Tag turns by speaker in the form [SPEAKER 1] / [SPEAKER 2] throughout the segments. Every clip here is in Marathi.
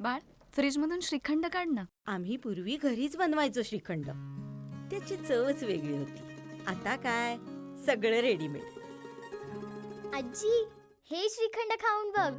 [SPEAKER 1] बाळ, फ्रीजमधून श्रीखंड काढ ना.
[SPEAKER 2] आम्ही पूर्वी घरीच बनवायचो श्रीखंड. त्याची चवच वेगळी होती. आता काय सगळं रेडीमेड.
[SPEAKER 3] आजी, हे श्रीखंड खाऊन बघ.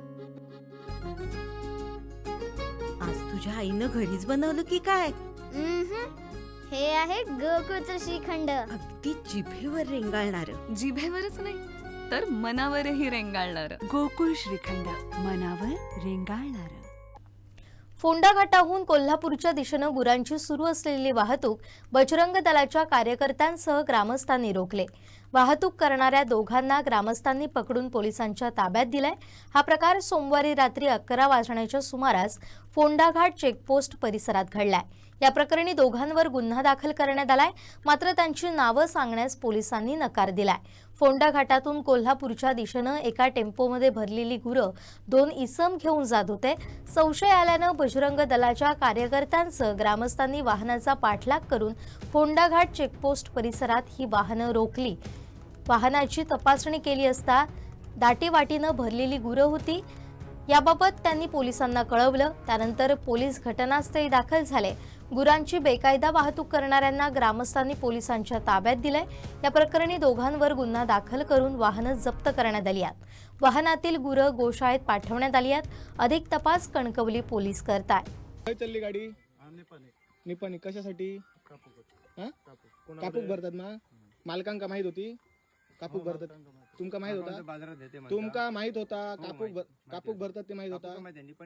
[SPEAKER 2] आज तुझ्या आईनं घरीच बनवलं की काय?
[SPEAKER 3] हे आहे गोकुळचं श्रीखंड.
[SPEAKER 2] अगदी जिभेवर रेंगाळणार.
[SPEAKER 1] जिभेवरच नाही तर मनावरही रेंगाळणार.
[SPEAKER 4] गोकुळ श्रीखंड, मनावर रेंगाळणार.
[SPEAKER 5] फोंडा घाटाहून कोल्हापूरच्या दिशेनं गुरांची सुरू असलेली वाहतूक बजरंग दलाच्या कार्यकर्त्यांसह ग्रामस्थांनी रोखले. वाहतूक करणाऱ्या दोघांना ग्रामस्थांनी पकडून पोलिसांच्या ताब्यात दिलाय. हा प्रकार सोमवारी रात्री 11 वाजण्याच्या सुमारास फोंडा घाट चेकपोस्ट परिसरात घडलाय. या प्रकरणी दोघांवर गुन्हा दाखल करण्यात आलाय, मात्र त्यांची नावं सांगण्यास पोलिसांनी नकार दिलाय. फोंडा घाटातून कोल्हापूरच्या दिशेनं एका टेम्पोमध्ये भरलेली गुरं 2 इसम घेऊन जात होते. संशय आल्यानं बजरंग दलाच्या कार्यकर्त्यांसह ग्रामस्थांनी वाहनाचा पाठलाग करून फोंडा घाट चेकपोस्ट परिसरात ही वाहनं रोखली. वाहनाची तपासणी केली असता दाटीवाटीनं भरलेली गुरं होती. याबाबत त्यांनी पोलिसांना कळवलं. त्यानंतर पोलीस घटनास्थळी दाखल झाले. गुरांची बेकायदा वाहतूक करणाऱ्यांना ग्रामस्थांनी पोलिसांच्या ताब्यात दिलंय. या प्रकरणी दोघांवर गुन्हा दाखल करून वाहनं जप्त करण्यात आली आहेत. वाहनातील गुरं गोशाळेत पाठवण्यात आली आहेत. अधिक तपास कणकवली पोलीस करतायत.
[SPEAKER 6] काय चालली गाडी? निपाणी कशासाठी? कापूक भरतात ना? मालकांका माहित होती कापूक भरतात? तुमका माहित होता? तुमका माहित होता कापूक भरतात ते माहित होता?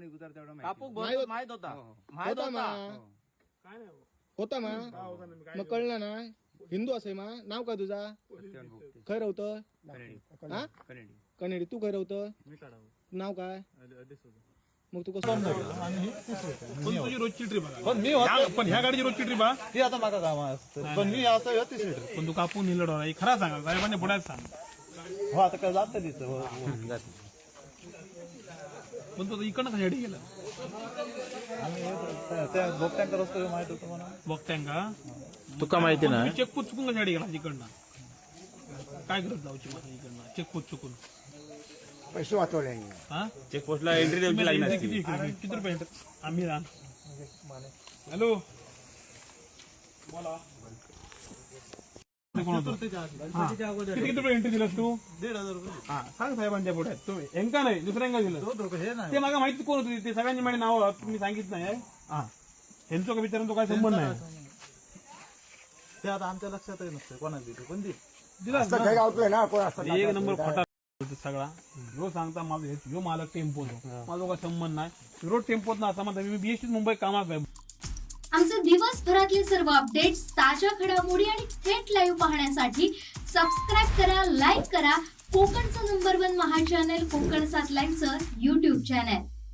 [SPEAKER 6] होता मा मग कळलं ना? हिंदू असे मा नाव का तुझा? खय रवतं? कनेडी. तू खय रवतं? नाव काय? मग तू कसं
[SPEAKER 7] तुझी रोजची ट्रिप पण ह्या गाडीची रोजची ट्रिप ती आता माझा काम पण मी असं पण तू कापून नेलं खरा सांगा साहेबांच्या पुढ्यात सांग. हो आता काय जात पण तो इकडनं कशासाठी गेला? त्या बोगट्यांका रस्ता माहित होतं मला. बोगट्यांका तुका माहिती ना? चेकपोस्ट चुकून कशासाठी गेला इकडनं? काय करत जाऊची माझा इकडनं चेकपोस्ट चुकून?
[SPEAKER 8] पैसे वाचवले.
[SPEAKER 7] चेकपोस्टला एंट्री द्यायची लागणार. किती रुपये आम्ही हॅलो बोला. किती रुपये एंट्री दिलास तू? 1,500 रुपये. हा सांग साहेबांच्या पुढे. तुम्ही एंका नाही दुसऱ्यांका दिलं ते मागा माहिती कोण होती? ते सगळ्यांची माझी नाव तुम्ही सांगितलं नाही. हा ह्यांचं का विचारून तो काय संबंध नाही. ते आता आमच्या लक्षातही नसतं कोणाची पण दिला एक नंबर खोटा सगळा. रोज सांगता माझा ह्यो मालक टेम्पो माझा काय संबंध नाही. रोड टेम्पोत ना असं मी बीएसटी मुंबई कामात आहे.
[SPEAKER 9] आमचे दिवसभरातले सर्व अपडेट्स, ताज्या घडामोडी आणि थेट लाईव्ह पाहण्यासाठी सबस्क्राईब करा, लाईक करा कोकणचं नंबर 1 महा चॅनल कोकण 7 लाईव्हचं YouTube चॅनल.